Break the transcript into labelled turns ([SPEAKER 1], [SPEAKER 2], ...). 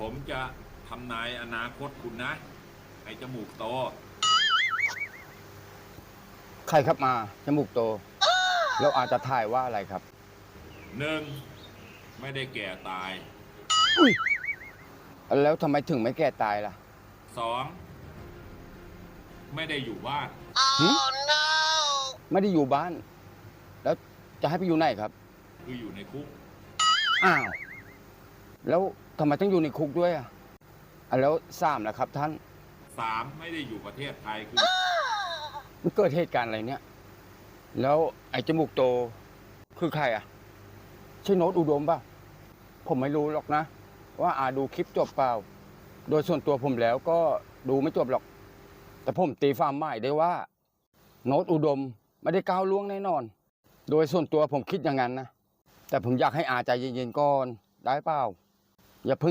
[SPEAKER 1] ผมจะทำนายอนาคตคุณนะไอ้จมูกโต
[SPEAKER 2] ใครครับมาจมูกโตแล้วอาจจะถ่ายว่าอะไรครับ
[SPEAKER 1] หนึ่งไม่ได้แก่ตาย
[SPEAKER 2] อุ้ยแล้วทำไมถึงไม่แก่ตายล่ะ
[SPEAKER 1] สองไม่ได้อยู่บ้าน
[SPEAKER 2] หึไม่ได้อยู่บ้าน แล้วจะให้ไปอยู่ไหนครับ
[SPEAKER 1] คืออยู่ในคุก
[SPEAKER 2] อ้าว แล้วทำไมต้องอยู่ในคุกด้วยแล้วสามล่ะครับท่าน
[SPEAKER 1] สามไม่ได้อยู่ประเทศไทยคือ
[SPEAKER 2] มันเกิดเหตุการณ์อะไรเนี่ย แล้วไอ้จมูกโตคือใครใช่โน้ตอุดมป่ะผมไม่รู้หรอกนะ ว่าดูคลิปจบเปล่า โดยส่วนตัวผมแล้วก็ดูไม่จบหรอก แต่ผมตีความหมายได้ว่า โน้ตอุดมไม่ได้ก้าวล่วงแน่นอน โดยส่วนตัวผมคิดอย่างนั้นนะ แต่ผมอยากให้ใจเย็นๆก่อนได้เปล่าอย่าเพิ่ง